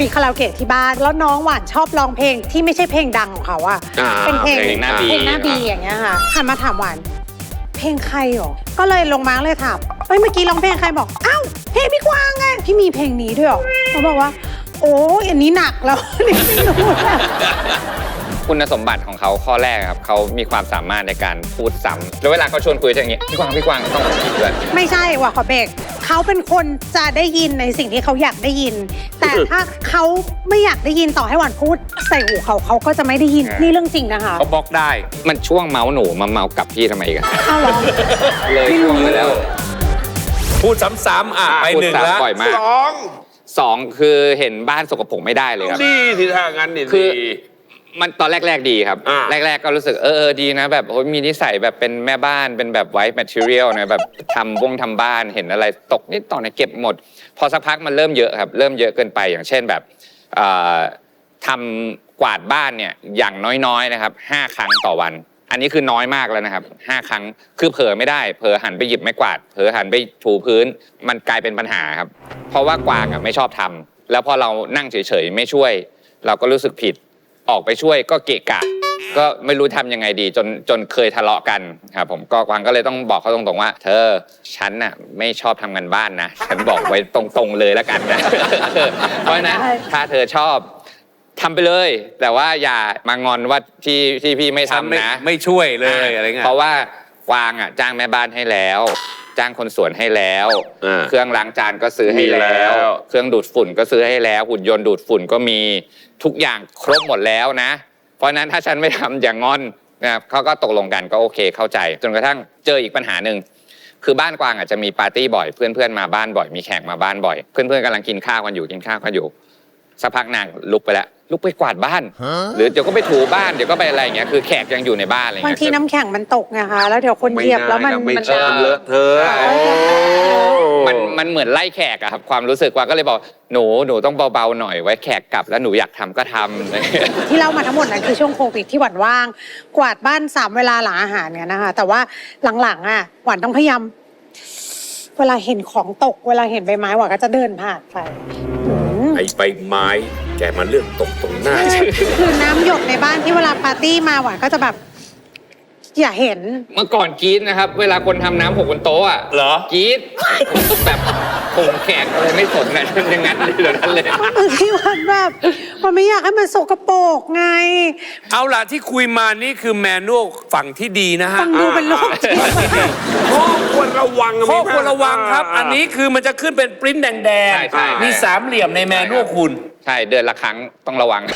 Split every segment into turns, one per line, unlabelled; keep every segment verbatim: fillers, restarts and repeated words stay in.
มีคาราโอเกะที่บ้านแล้วน้องหวานชอบร้องเพลงที่ไม่ใช่เพลงดังของเขาอะเป็นเพลงหน้าบีเพลงหน้าบีอย่างเงี้ยค่ะหันมาถามหวานเพลงใครหรอก็เลยลงมาเลยถามเฮ้ยเมื่อกี้ร้องเพลงใครบอกอ้าวเพลงพี่กวางไงพี่มีเพลงนี้ด้วยหรอเขาบอกว่าโอ้ยอันนี้หนักแล้วนี่ไม่รู้
คุณสมบัติของเขาข้อแรกครับเขามีความสามารถในการพูดซ้ำแล้วเวลาเขาชวนคุยจะอย่างนี้พี่กวางพี่กวางต้องคิดด้วย
ไม่ใช่ว่ะขอเบรกเขาเป็นคนจะได้ยินในสิ่งที่เขาอยากได้ยินแต่ถ้าเขาไม่อยากได้ยินต่อให้หวานพูดใส่หูเขาเขาก็จะไม่ได้ยินนี่เรื่องจริงนะคะ
เขาบล็อกได้
มันช่วงเมาส์หนูมาเมากับพี่ทำไมกัน
อ้าวเหรอ
เลยช่วงไปแล้ว
พูดซ้ำๆอ่ะไปหนึ่งแล้ว
สองสองคือเห็นบ้านสกปรกไม่ได้เลยครับ
ดีที่ทางนั้นดี
คือมันตอนแรกๆดีครับแรกๆก็รู้สึกเออดีนะแบบโอ้ยมีนิสัยแบบเป็นแม่บ้านเป็นแบบไวท์แมทเทียลนะแบบทำวงทำบ้านเห็นอะไรตกนิดต่อในเก็บหมดพอสักพักมันเริ่มเยอะครับเริ่มเยอะเกินไปอย่างเช่นแบบทำกวาดบ้านเนี่ยอย่างน้อยๆนะครับห้าครั้งต่อวันอันนี้คือน้อยมากแล้วนะครับห้าครั้งคือเผลอไม่ได้เผลอหันไปหยิบไม้กวาดเผลอหันไปถูพื้นมันกลายเป็นปัญหาครับเพราะว่ากวางอ่ะไม่ชอบทำแล้วพอเรานั่งเฉยๆไม่ช่วยเราก็รู้สึกผิดออกไปช่วยก็เกะกะก็ไม่รู้ทำยังไงดีจนจนเคยทะเลาะกันครับผมก็กวางก็เลยต้องบอกเขาตรงๆว่าเธอฉันน่ะไม่ชอบทำงานบ้านนะฉันบอกไว้ตรงๆเลยแล้วกันนะเพราะฉะนั้นถ้าเธอชอบทำไปเลยแต่ว่าอย่ามางอนว่าที่ที่พี่ไม่ทำนะ
ไม่ช่วยเลยอะไรเงี้ย
เพราะว่ากวางอ่ะจ้างแม่บ้านให้แล้วจ้างคนสวนให้แล้วเครื่องล้างจานก็ซื้อให้แล้วเครื่องดูดฝุ่นก็ซื้อให้แล้วหุ่นยนต์ดูดฝุ่นก็มีทุกอย่างครบหมดแล้วนะเพราะนั้นถ้าฉันไม่ทำอย่างงอนนะครับเขาก็ตกลงกันก็โอเคเข้าใจจนกระทั่งเจออีกปัญหาหนึ่งคือบ้านกวางอาจจะมีปาร์ตี้บ่อยเพื่อนๆมาบ้านบ่อยมีแขกมาบ้านบ่อยเพื่อนๆกำลังกินข้าวกันอยู่กินข้าวกันอยู่สักพักนางลุกไปแล้วลุกไปกวาดบ้านหรือเดี๋ยวก็ไปถูบ้านเดี๋ยวก็ไปอะไรอย่างเงี้ยคือแขกยังอยู่ในบ้านอะไรเงี้ย
บางทีน้ำแข็งมันตกไงคะแล้วเดี๋ยวคนเหยียบแล้วมัน
มันเลอะเทอะ
มันมันเหมือนไล่แขกอะครับความรู้สึกว่าก็เลยบอกหนูหนูต้องเบาๆหน่อยไว้แขกกลับแล้วหนูอยากทำก็ทำ
ที่เล่ามาทั้งหมดนั้นคือช่วงโควิดที่หวานว่างกวาดบ้านสามเวลาหลังอาหารเนี่ยนะคะแต่ว่าหลังๆอ่ะหวานต้องพยายามเวลาเห็นของตกเวลาเห็นใบไม้หวานก็จะเดินผ่านไป
ไอ้ใบไม้แกมาเรื่องตกตรงหน้า
คือน้ำหยดในบ้านที่เวลาปาร์ตี้มาหวานก็จะแบบอย่าเห็น
เมื่อก่อนกรี๊ดนะครับเวลาคนทำน้ำหกบนโต๊ะอ่ะ
เหรอก
รี๊ดแบบคงแขกอะไรไม่สนนะอย่างนั้นเลยแบบนั้นเลย
ที่วันแบบมันไม่อยากให้มันสกปรกไง
เอาล่ะที่คุยมานี่คือแมนนวลฝั่งที่ดีนะฮะ
ฟังดูเป็นโรค
ข้อควรระวังข้อควรระวังครับอันนี้คือมันจะขึ้นเป็นปริ้นแดงๆมีสามเหลี่ยมในแมนนวลคุณ
ใช่เดือนละครั้งต้องระวัง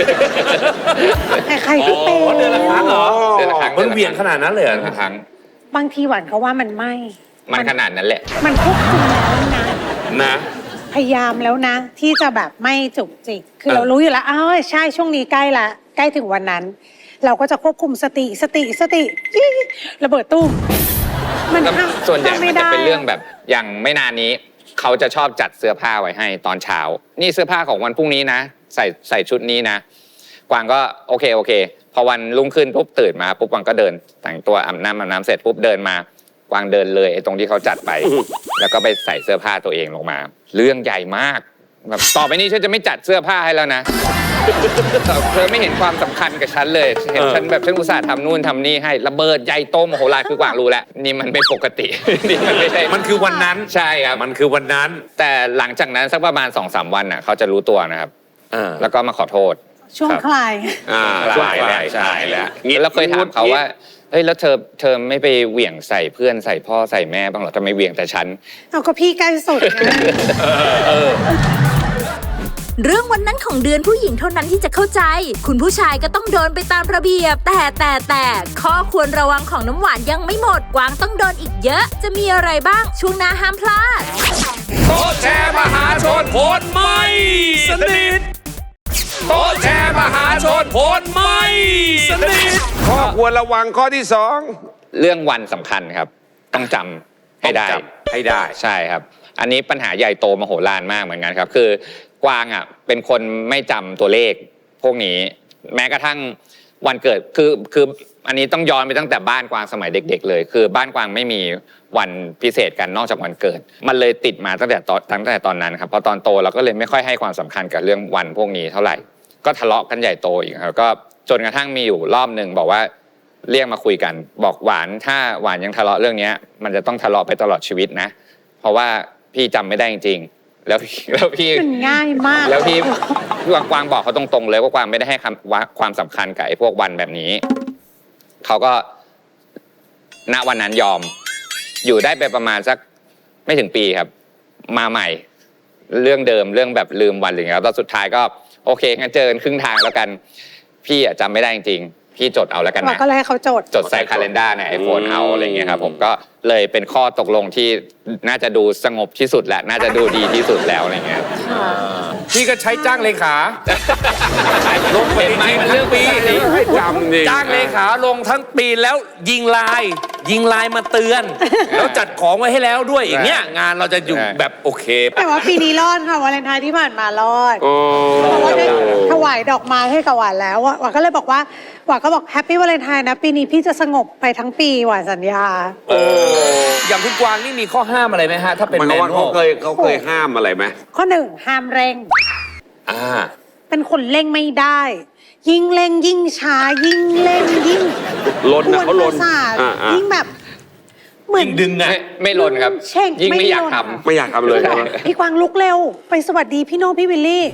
ใครๆก็เป็น
เดือนละครั้งเหรอเดือนละครั้งมันเวียนขนาดนั้นเลยเหรอ
ครั้ง
บางทีหวานเขาว่ามันไม่
มันขนาดนั้นแหละ
มันควบคุมแล้วนะ
นะ
พยายามแล้วนะที่จะแบบไม่จุกจิกคือเรารู้อยู่แล้วอ้าวใช่ช่วงนี้ใกล้ละใกล้ถึงวันนั้นเราก็จะควบคุมสติสติสติระเบิดตุ้ม
มันส่วนใหญ่มันจะเป็นเรื่องแบบอย่างไม่นานนี้เขาจะชอบจัดเสื้อผ้าไว้ให้ตอนเช้านี่เสื้อผ้าของวันพรุ่งนี้นะใส่ใส่ชุดนี้นะกวางก็โอเคโอเคพอวันรุ่งขึ้นปุ๊บตื่นมาปุ๊บกวางก็เดินแต่งตัวอาบน้ำอาบน้ำเสร็จปุ๊บเดินมากวางเดินเลยไอ้ตรงที่เขาจัดไปแล้วก็ไปใส่เสื้อผ้าตัวเองลงมาเรื่องใหญ่มากแบบต่อไปนี้ฉันจะไม่จัดเสื้อผ้าให้แล้วนะเธอไม่เห็นความสำคัญกับฉันเลยเห็นฉันแบบฉันอุตส่าห์ทำนู่นทำนี่ให้ระเบิดใหญ่โตมโหฬารคือกวางรู้แล้วนี่มันไม่ปกตินี่มันไม่ใช่
มันคือวันนั้น
ใช่ครับ
มันคือวันนั้น
แต่หลังจากนั้นสักประมาณ สองสาม วันน่ะเขาจะรู้ตัวนะครับแล้วก็มาขอโทษ
ช่วงคลาย
อ่าคลายแล้วใช่แล้วแล้วเคยถามเขาว่าเฮ้ยแล้วเธอเธอไม่ไปเหวี่ยงใส่เพื่อนใส่พ่อใส่แม่บ้างหรอทำไมเหวี่ยงแต่ฉัน
เอาก็พี่ใกล้สุดนะ
เรื่องวันนั้นของเดือนผู้หญิงเท่านั้นที่จะเข้าใจคุณผู้ชายก็ต้องโดนไปตามระเบียบแต่แต่แต่ข้อควรระวังของน้ำหวานยังไม่หมดกวางต้องโดนอีกเยอะจะมีอะไรบ้างช่วงหน้าห้ามพลาด
โต๊ะแชร์มหาชนโพนไม่สนิทโต๊ะแชร์มหาชนโพนไม่สนิทข้อควรระวังข้อที่สอง
เรื่องวันสำคัญครับต้องจำให้ได้
ให้ได้
ใช่ครับอันนี้ปัญหาใหญ่โตมโหฬารมากเหมือนกันครับคือกวางอ่ะเป็นคนไม่จำตัวเลขพวกนี้แม้กระทั่งวันเกิดคือคืออันนี้ต้องย้อนไปตั้งแต่บ้านกวางสมัยเด็กๆเลยคือบ้านกวางไม่มีวันพิเศษกันนอกจากวันเกิดมันเลยติดมาตั้งแต่ตอนตั้งแต่ตอนนั้นครับพอตอนโตเราก็เลยไม่ค่อยให้ความสำคัญกับเรื่องวันพวกนี้เท่าไหร่ก็ทะเลาะกันใหญ่โตอีกครับก็จนกระทั่งมีอยู่รอบหนึ่งบอกว่าเรียกมาคุยกันบอกหวานถ้าหวานยังทะเลาะเรื่องนี้มันจะต้องทะเลาะไปตลอดชีวิตนะเพราะว่าพี่จำไม่ได้จริงๆแล้วแล้วพี่
มันง่ายมาก
แล้วพี่กวางกวางบอกเขาตรงๆเลยว่ากวางไม่ได้ให้ความสำคัญกับไอ้พวกวันแบบนี้เขาก็ณวันนั้นยอมอยู่ได้ไปประมาณสักไม่ถึงปีครับมาใหม่เรื่องเดิมเรื่องแบบลืมวันอะไรเงี้ยแล้วสุดท้ายก็โอเคงั้นเจอกันครึ่งทางแล้วกันพี่อะจำไม่ได้จริงๆพี่จดเอาแล้วกันนะ
ก็เลยให้เขาจด
จดใส่คาเลนด้าในไอโฟนเอาอะไรเงี้ยครับผมก็เลยเป็นข้อตกลงที่น่าจะดูสงบที่สุดแหละน่าจะดูดีที่สุดแล้วอะไรเงี้ย
พี่ก็ใช้จ้างเลขาลงไปไหมมันเรื่องปีให้จำดิจ้างเลขาลงทั้งปีแล้วยิงไลน์ยิงไลน์มาเตือนแล้วจัดของไว้ให้แล้วด้วยอย่างเงี้ยงานเราจะอยู่แบบโอเค
แต่ว่าปีนี้รอดค่ะวาเลนไทน์ที่ผ่านมารอดเพราะว่าได้ถวายดอกไม้ให้กับหวานแล้วหวานก็เลยบอกว่าหวานก็บอกแฮปปี้วาเลนไทน์นะปีนี้พี่จะสงบไปทั้งปีหวานสัญญา
อย่างคุณกวางนี่มีข้อห้ามอะไรไหมฮะถ้าเป็นแมนนวล
เขาเคยเขาเคยห้ามอะไรไหม
ข้อหนึ่งห้ามเร่ง
อ่า
เป็นคนเร่งไม่ได้ยิ่งเร่งยิ่งช้ายิ่งเร่งยิ่ง
ลนนะเขาลน
ยิ่งแบบเหมือน
ดึงอะ
ไม่ลนครับยิ่งไม่อยากทำ
ไม่อยากทำเลย
พี่กวางลุกเร็วไปสวัสดีพี่โน้พี่วิลลี่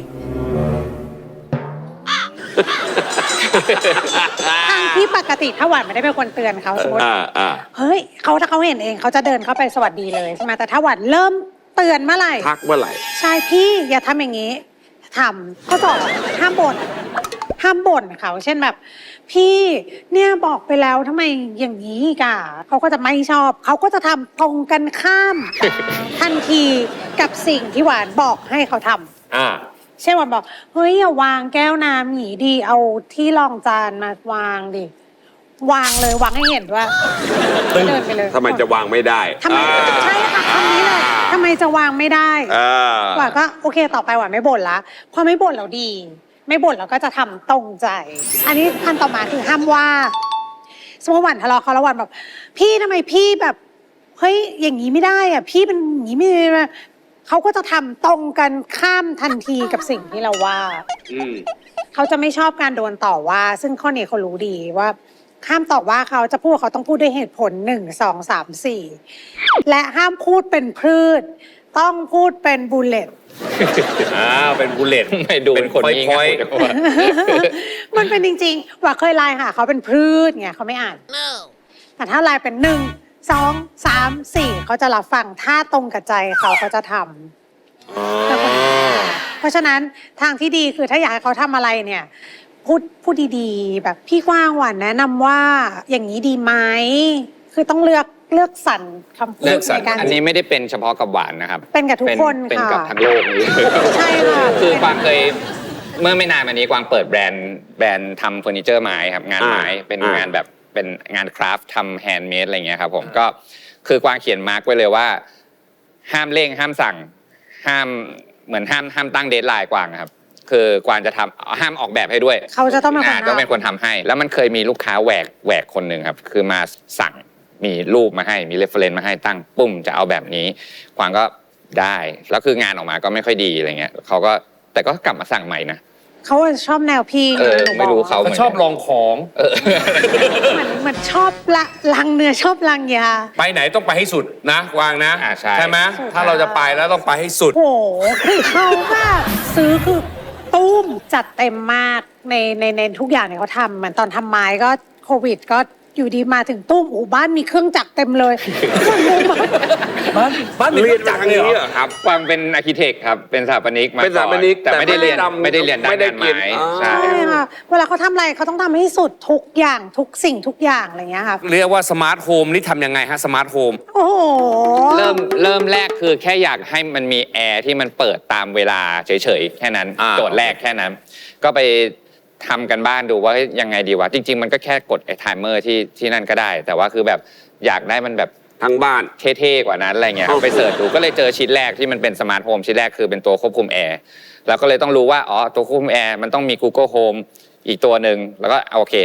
ทางที่ปกติถ้าหวานไม่ได้เป็นคนเตือนเขาสมมติเฮ้ยเขาถ้าเขาเห็นเองเขาจะเดินเข้าไปสวัสดีเลยใช่ไหมแต่ถ้าหวานเริ่มเตือนเมื่อไหร่
ทักเมื่อไหร่
ใช่พี่อย่าทำอย่างนี้ทำข้อสองห้ามบ่นห้ามบ่นเขาเช่นแบบพี่เนี่ยบอกไปแล้วทำไมอย่างนี้กะเขาก็จะไม่ชอบเขาก็จะทำตรงกันข้ามทันทีกับสิ่งที่หวานบอกให้เขาทำ
อ่า
เช่นวันบอกเฮ้ยอย่าวางแก้วน้ำหนีดีเอาที่รองจานมาวางดิวางเลยวางให้เห็นว่าเดินไปเลย
ทำไมจะวางไม่ได้
ทำไมใช่ค่ะคำนี้เลยทำไมจะวางไม่ได้หวานก็โอเคต่อไปหวานไม่บ่นละพอไม่บ่นเราดีไม่บ่นเราก็จะทำตรงใจอันนี้ขั้นต่อมาคือห้ามว่าสมมติหวานทะเลาะเขาแล้วหวานแบบพี่ทำไมพี่แบบเฮ้ยอย่างนี้ไม่ได้อ่ะพี่เป็นอย่างนี้ไม่ได้เขาก็จะทำตรงกันข้ามทันทีกับสิ่งที่เราว่าเขาจะไม่ชอบการโดนต่อว่าซึ่งข้อนี้เขารู้ดีว่าห้ามต่อว่าเขาจะพูดเขาต้องพูดด้วยเหตุผลหนึ่งสองสามสี่และห้ามพูดเป็นพืชต้องพูดเป็นบูลเลต
อ่าเป็นบูลเลต
ไม่ดูเป็นคนนี้ไง
มันเป็นจริงๆว่าเคยไลน์หาเขาเป็นพืชไงเขาไม่อ่านแต่ถ้าไลน์เป็นหนึ่งสองสามสี่เขาจะรับฟังถ้าตรงกับใจเขาเขาจะทำเพราะฉะนั้นทางที่ดีคือถ้าอยากให้เขาทำอะไรเนี่ยพูดพูดดีๆแบบพี่กว้างหวานแนะนำว่าอย่างนี้ดีไหมคือต้องเลือกเลือกสรรคำพูดในการ
อันนี้ไม่ได้เป็นเฉพาะกับหวานนะครับ
เป็นกับทุกคนค่ะ
เป็นกับทั้งโลกนี้
ใช่ค่ะ
คือกวางเคยเมื่อไม่นานมานี้กวางเปิดแบรนด์แบรนด์ทำเฟอร์นิเจอร์ไม้ครับงานไม้เป็นงานแบบเป็นงานคราฟต์ทำแฮนด์เมดอะไรเงี้ยครับผมก็คือกวางเขียนมาร์กไว้เลยว่าห้ามเร่งห้ามสั่งห้ามเหมือนห้ามห้ามตั้งเดดไลน์กวางครับคือกวางจะทำห้ามออกแบบให้ด้วย
เขาจะต้องเป็นคน
ต้องเป็นคนทำให้แล้วมันเคยมีลูกค้าแหวกแหวกคนหนึ่งครับคือมาสั่งมีรูปมาให้มีเรฟเฟรนซ์มาให้ตั้งปุ้มจะเอาแบบนี้กวางก็ได้แล้วคืองานออกมาก็ไม่ค่อยดีอะไรเงี้ยเขาก็แต่ก็กลับมาสั่งใหม่นะ
เขาชอบแนวพี่
เออไม่รู้เขา
ชอบลองของ
เหมือนเหมือนชอบละลังเนื้อชอบลังยา
ไปไหนต้องไปให้สุดนะวางนะ
ใช่
ใช่ไหมถ้าเราจะไปแล้วต้องไปให้สุด
โอ้โหคือเขาแบบซื้อคือตุ้มจัดเต็มมากในในในทุกอย่างเนี่ยเขาทำเหมือนตอนทำไม้ก็โควิดก็อยู่ดีมาถึงตุ้มอู่บ้านมีเครื่องจักรเต็มเลย
บ้านบ้านมีเครื่องจักรเลยเหรอ
ครับกวางเป็นอาร์คิเทคครับเป็นสถาปนิกมา
เป็นสถาปนิก
แต่ไม่ได้เรียนไม่ได้เรียนด้านงานไม้
ใช่ค่ะเวลาเขาทำอะไรเขาต้องทำให้สุดทุกอย่างทุกสิ่งทุกอย่างอะไรเงี้ยค่ะ
เรียกว่าสมาร์ทโฮมนี่ทำยังไงฮะสมาร์ทโฮม
โอ้โห
เริ่มเริ่มแรกคือแค่อยากให้มันมีแอร์ที่มันเปิดตามเวลาเฉยๆแค่นั้นโจทย์แรกแค่นั้นก็ไปทำกันบ้านดูว่ายังไงดีวะจริงๆมันก็แค่กดไอ้ไทม์เมอร์ที่ที่นั่นก็ได้แต่ว่าคือแบบอยากได้มันแบบ
ทั้งบ้าน
เท่ๆกว่านั้นอะไรเงี้ยไปเสิร์ชดูก็เลยเจอชิ้นแรกที่มันเป็นสมาร์ทโฮมชิ้นแรกคือเป็นตัวควบคุมแอร์แล้วก็เลยต้องรู้ว่าอ๋อตัวควบคุมแอร์มันต้องมี Google Home อีกตัวหนึ่งแล้วก็โอเค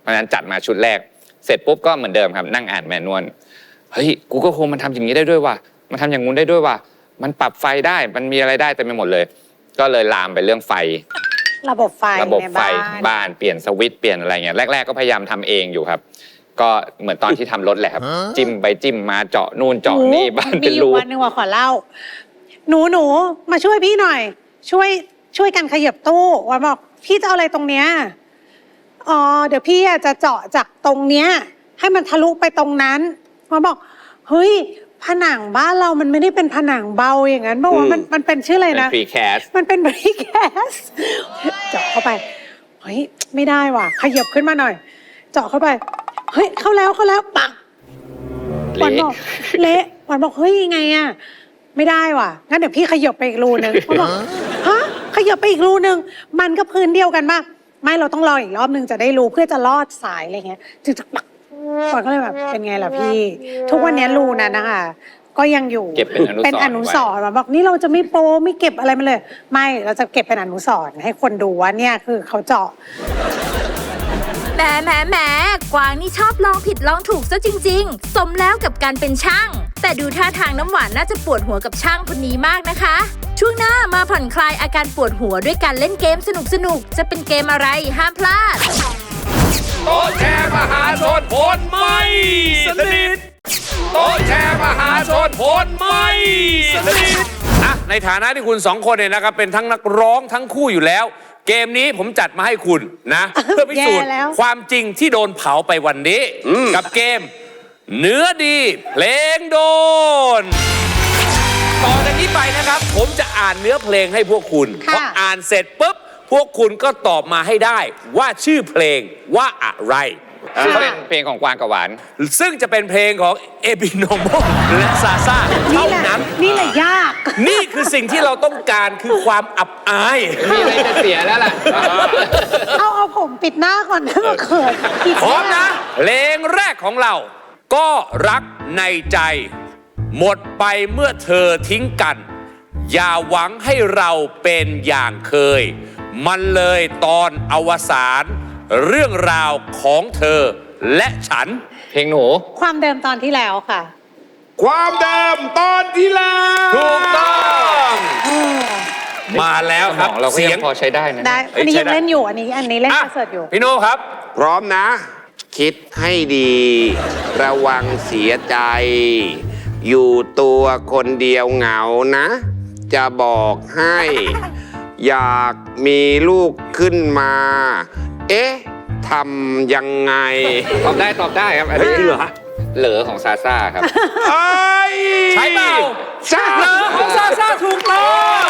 ราะฉะนั้นจัดมาชุดแรกเสร็จปุ๊บก็เหมือนเดิมครับนั่งอ่านแมนนวลเฮ้ยกูก็คงมันทำอย่างนี้ได้ด้วยว่ะมันทำอย่างงู้นได้ด้วยว่ะมันปรับไฟได้มันมีอะไรได้เต็มไปหมดเลยก็เลยลามไปเรื่องไฟ
ระบบไฟ
ระบบไฟ
ในบ้าน
บ้านเปลี่ยนสวิตช์เปลี่ยนอะไรเงี้ยแรกๆก็พยายามทำเองอยู่ครับก็เหมือนตอนที่ทำรถแหละครับจิ้มไปจิ้มมาเจาะนู่นเจาะนี่บ้านเป็นรู
มีอยู่วันหนึ่งว่าขอเล่าหนูหนูมาช่วยพี่หน่อย ช่วยช่วยกันขยับตู้วันบอกพี่จะเอาอะไรตรงเนี้ยอ๋อเดี๋ยวพี่จะเจาะจากตรงเนี้ยให้มันทะลุไปตรงนั้นวันบอกเฮ้ยผนังบ้านเรามันไม่ได้เป็นผนังเบาอย่างนั้นบอกว่ามันมันเป็นชื่ออะไรนะ
เป็น precast
มันเป็น precast เจาะเข้าไปเฮ้ยไม่ได้ว่ะขยับขึ้นมาหน่อย เจาะเข้าไปเฮ้ยเข้าแล้วเข้าแล้วปังวันบอกเละวันบอกเฮ้ยยังไงอะไม่ได้ว่ะงั้นเดี๋ยวพี่ขยับไปอีกรูนึงวันบอกฮะขยับไปอีกรูนึงมันก็พื้นเดียวกันป่ะไม่เราต้องรออีกรอบนึงจะได้รู้เพื่อจะลอดสายอะไรเงี้ยจึงจะปักวันก็เลยแบบเป็นไงล่ะพี่ ทุกวันนี้รูนั้นนะคะก็ยังอยู่
เก็บเป็นอนุสรณ์
เป็นอนุสรณ์มาบอกนี่เราจะไม่โปไม่เก็บอะไรมาเลย ไม่เราจะเก็บเป็นอนุสรณ์ให้คนดูว่าเนี่ยคือเขาเจาะ
แหมแหมแหมกวางนี่ชอบลองผิดลองถูกซะจริงๆ สมแล้วกับการเป็นช่าง แต่ดูท่าทางน้ำหวานน่าจะปวดหัวกับช่างคนนี้มากนะคะ ช่วงหน้ามาผ่อนคลายอาการปวดหัวด้วยการเล่นเกมสนุกๆ จะเป็นเกมอะไรห้ามพลาด
โต๊ะแชร์มหาชนผลไม่สนิทโต๊ะแชร์มหาชนผลไม่สนิทอ่ะในฐานะที่คุณสองคนเนี่ยนะครับเป็นทั้งนักร้องทั้งคู่อยู่แล้วเกมนี้ผมจัดมาให้คุณนะ เพื่อพิสูจน์ความจริงที่โดนเผาไปวันนี้กับเกมเนื้อดีเพลงโดนต่อจากนี้ไปนะครับผมจะอ่านเนื้อเพลงให้พวกคุณพออ่านเสร็จปุ๊บพวกคุณก็ตอบมาให้ได้ว่าชื่อเพลงว่าอะไร
ซึ่งเป็นเพลงของกวางกับหวาน
ซึ่งจะเป็นเพลงของเอบิโนโมและซาซ่าเท่านั้น
นี่แหละยาก
นี่คือสิ่งที่เราต้องการคือความอับอาย
มีอะไรจะเสียแล้วล่ะ
เอาเอาผมปิดหน้าก่อนนะมาเขิน
พร้อมนะเพลงแรกของเราก็รักในใจหมดไปเมื่อเธอทิ้งกันอย่าหวังให้เราเป็นอย่างเคยมันเลยตอนอวสานเรื่องราวของเธอและฉัน
เพลงหนู
ความเดิมตอนที่แล้วค่ะ
ความเดิมตอนที่แล้ว
ถูกต้องมาแล้วครับ
เราเสียงพอใช้ได้นะ
ได้อันนี้ยังเล่นอยู่อันนี้อันนี้เล่นคอนเสิร์ตอยู่
พี่โน่ครับ
พร้อมนะคิดให้ดีระวังเสียใจอยู่ตัวคนเดียวเหงานะจะบอกให้อยากมีลูกขึ้นมาเอ๊ะทำยังไง
ตอบได้ตอบได้ครับอันนี้เหรอเหลือของซาซ่าครับ
ใช่เปล่าใช่เหลือของซาซ่าถูกต้อง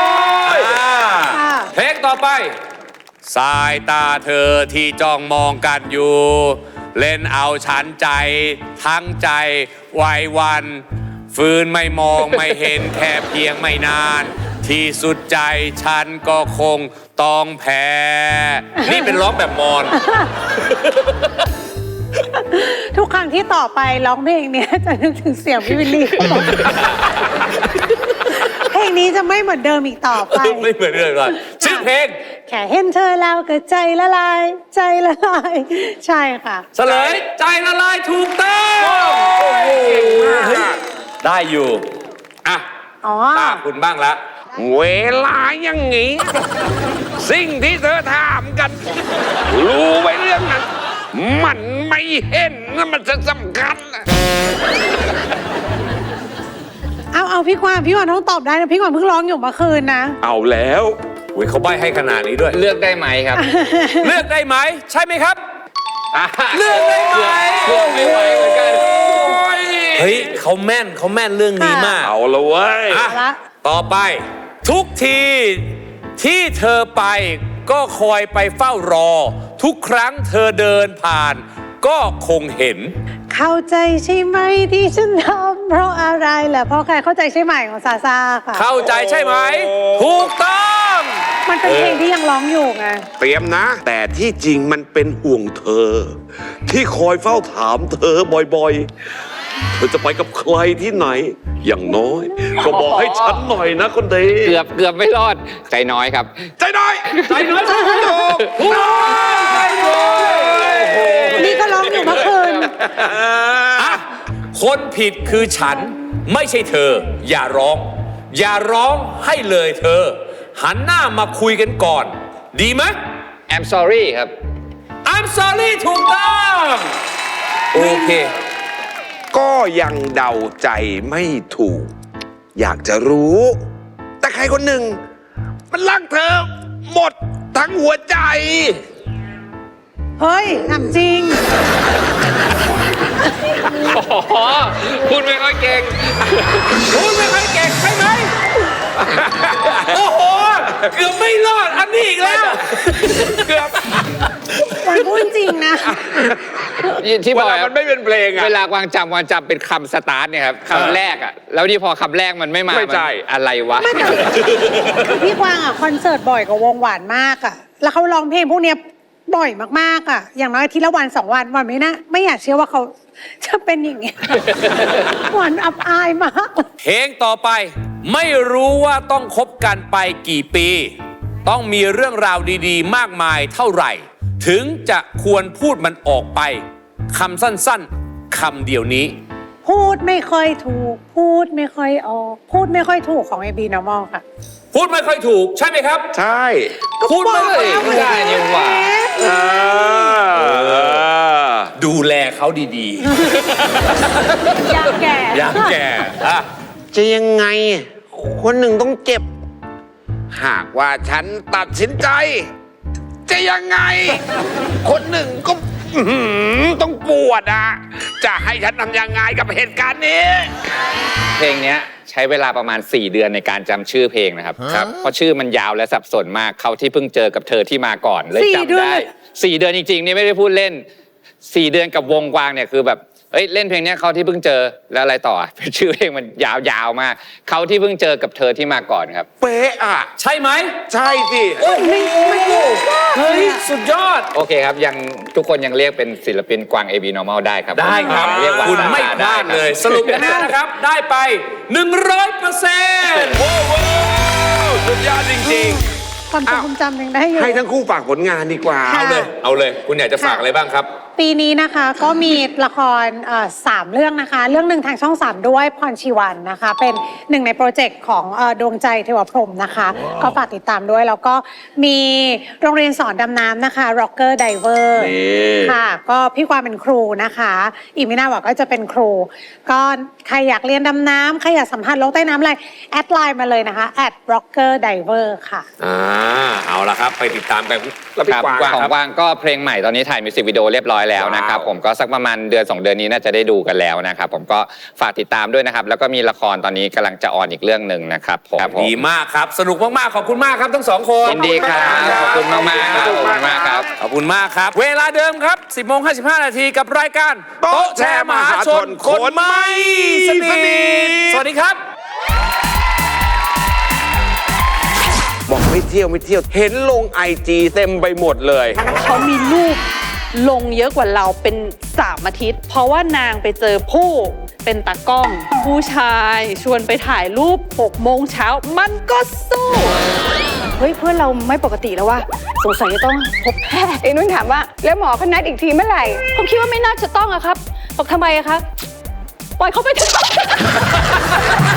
เพลงต่อไปสายตาเธอที่จ้องมองกันอยู่เล่นเอาฉันใจทั้งใจไว้วันฟืนไม่มองไม่เห็นแค่เพียงไม่นานที่สุดใจฉันก็คงต้องแพ้นี่เป็นร้องแบบมอน
ทุกครั้งที่ต่อไปร้องเพลงนี้จะนึกถึงเสียงพี่วิลลี่เพลงนี้จะไม่เหมือนเดิมอีกต่อไป
ไม่เหมือนเดิมก่อนชื่อเพลง
แค่เห็นเธอแล้วก็ใจละลายใจละลายใช่ค่ะ
เฉลยใจละลายถูกต้องได้อยู่อ่ะตาคุณบ้างละ
เวลาอย่างงี้สิ่งที่เธอถามกันรู้ไว้เรื่องนั้นมันไม่เห็นนะมันจะสำคัญ
เอาเอาพี่กวางพี่กวางต้องตอบได้นะพี่กวางเพิ่งร้องอยู่เมื่อคืนนะ
เอาแล้ว
อุ้ยเขาใบ้ให้ขนาดนี้ด้วย
เลือกได้ไหมครับ
เลือกได้ไหมใช่ไหมครับเลือกได้ไหม
เลือกไม่ไหวเหมือนกัน
เฮ้ยเขาแม่นเขาแม่นเรื่องนี้มาก
เอาละเว้ย
ต่อไปทุกทีที่เธอไปก็คอยไปเฝ้ารอทุกครั้งเธอเดินผ่านก็คงเห็น
เข้าใจใช่ไหมที่ฉันทำเพราะอะไรแหละเพราะใครเข้าใจใช่ไหมของซาซ่าค่ะ
เข้าใจใช่ไหมถูกต้อง
มันเป็นเพลงที่ยังร้องอยู่ไง
เตรียมนะแต่ที่จริงมันเป็นห่วงเธอที่คอยเฝ้าถามเธอบ่อยๆเธอจะไปกับใครที่ไหนอย่างน้อยก็บอกให้ฉันหน่อยนะคนดี
เกือบเกือบไม่รอดใจน้อยครับ
ใจน้อย
ใจน้อยถูกถูกใจน้อยอ่ะคนผิดคือฉันไม่ใช่เธอ อย่าร้อง อย่าร้องให้เลยเธอ หันหน้ามาคุยกันก่อน ดีไหม
I'm sorry ครับ
I'm sorry ถูกต้องโอเค
ก็ยังเดาใจไม่ถูก อยากจะรู้ แต่ใครคนหนึ่ง มันรักเธอหมดทั้งหัวใจ
เฮ้ยถามจริง
อ๋อพูดไม่ค่อยเก่ง
พูดไม่ค่อยเก่งใช่ไหม โอ้โห เกือบไม่รอดอันนี้อีกแล้ว เกือบ
มันพูดจริงนะ
ที่บอก
เวลามันไม่เป็นเพลงอะ
เวลากวางจำวางจำเป็นคำสตาร์ทเนี่ยครับคำแรกอ่ะ แล้วนี่พอคำแรกมันไม่มา
ไม่ใช่
นอะไรวะ
ไม่แต่คือพี่กวางอ่ะคอนเสิร์ตบ่อยกับวงหวานมากอ่ะ แล้วเขาร้องเพลงพวกเนี้ยบ่อยมากๆอ่ะ อย่างน้อยอาทีละวันสองวันวันไม่นะไม่อยากเชื่อว่าเขาจะเป็นอย่างเงี้ย หวานอับอายมาก
เพลงต่อไป ไม่รู้ว่าต้องคบกันไปกี่ปี ต้องมีเรื่องราวดีๆ มากมายเท่าไหร่ ถึงจะควรพูดมันออกไปคำสั้นๆคำเดียวนี้
พูดไม่ค่อยถูก พูดไม่ค่อยออก พูดไม่ค่อยถูกของ เอ บี Normal ค่ะ
พูดไม่ค่อยถูกใช่ไหมครับ
ใช่
พูดไม่ค่อย
ไม่ได้นี่หว่า
เออ
ดูแลเขาดี
ยามแก่
ๆ อย่างแก่อะ
จะยังไง คนหนึ่งต้องเจ็บ หากว่าฉันตัดสินใจ จะยังไง คนหนึ่งก็อื้อหือต้องปวดอ่ะ จะให้ฉันทำยังไงกับเหตุการณ์นี้
เพลงเนี้ยใช้เวลาประมาณสี่เดือนในการจำชื่อเพลงนะครับครับเพราะชื่อมันยาวและสับสนมากเขาที่เพิ่งเจอกับเธอที่มาก่อนเลย
สี่เดื
จำ
อน
ได้
เลย
สี่เดือนจริงๆนี่ไม่ได้พูดเล่นสี่เดือนกับวงกวางเนี่ยคือแบบเอ้ยเล่นเพลงเนี้ยเขาที่เพิ่งเจอแล้วอะไรต่อ ชื่อเพลงมันยาวๆมากเขาที่เพิ่งเจอกับเธอที่มาก่อนครับ
เป๊ะอ่ะ
ใช่ไหม
ใช่สิ
โอ้โหเฮ้ย สุดยอด
โอเคครับยังทุกคนยังเรียกเป็นศิลปินกวาง เอ บี Normal ได้ครับ
ได้ครับ
เรียกว่า
คุณไม่พ
ได้
ลาด
ครับ
เลย สรุปคะแนนนะครับ ได้ไป หนึ่งร้อยเปอร์เซ็นต์
โอ้โหสุดยอดจริง
ความจำความจำยังได้อยู่
ๆ ให้ทั้งคู่ฝากผลงานดีกว่า
ค่ะ
เอาเลย เอาเลย คุณอยากจะฝากอะไรบ้างครับ
ปีนี้นะคะก็มีละครเอ่อสามเรื่องนะคะ เรื่องหนึ่งทางช่องสามด้วยพรชีวันนะคะ เป็นหนึ่งในโปรเจกต์ของเอ่อดวงใจเทวพรหมนะคะ ก็ฝากติดตามด้วย แล้วก็มีโรงเรียนสอนดำน้ำนะคะ Rocker Diver
นี่
ค่ะ ก็พี่กวางเป็นครูนะคะ อีกไม่นานบอกก็จะเป็นครู ก็ใครอยากเรียนดำน้ำใครอยากสัมผัสโลกใต้น้ำอะไรแอดไลน์มาเลยนะคะ at rocker diver ค่ะ
อ่า เอาละครับ ไปติดตามกัน
แล้วพี่
ครับ
กวาง
ของ
ครับ
กวางก็เพลงใหม่ตอนนี้ถ่ายมิวสิกวิดีโอเรียบร้อยแล้วนะครับ
ว้าว
ผมก็สักประมาณเดือนสองเดือนนี้น่าจะได้ดูกันแล้วนะครับผมก็ฝากติดตามด้วยนะครับ แล้วก็มีละครตอนนี้กำลังจะออนอีกเรื่องหนึ่งนะครับผมครับผม
ดีมากครับ สนุกมากๆ ขอบคุณมากครับทั้งสองคน
ยินดีครับขอบคุณมากๆครับขอบคุณมากครับ
ขอบคุณมากครับ เวลาเดิมครับ สิบโมงห้าสิบห้านาทีกับรายการโต๊ะแชร์มหาชนคนไม่สนิทสวัสดีครับ
บอกไม่เที่ยวไม่เที่ยว เห็นลงไอจีเต็มไปหมดเลย
เขามีรูปลงเยอะกว่าเราเป็นสามอาทิตย์ เพราะว่านางไปเจอผู้เป็นตากล้อง ผู้ชายชวนไปถ่ายรูปหกโมงเช้ามันก็สู้ เฮ้ย เพื่อนเราไม่ปกติแล้วว่ะสงสัยจะต้องพบแพทย์ไอ้นุ่นถามว่า แล้วหมอเขานัดอีกทีเมื่อไหร่ ผมคิดว่าไม่น่าจะต้องอะครับบอกทำไมอะครับ ปล่อยเขาไปเถอะ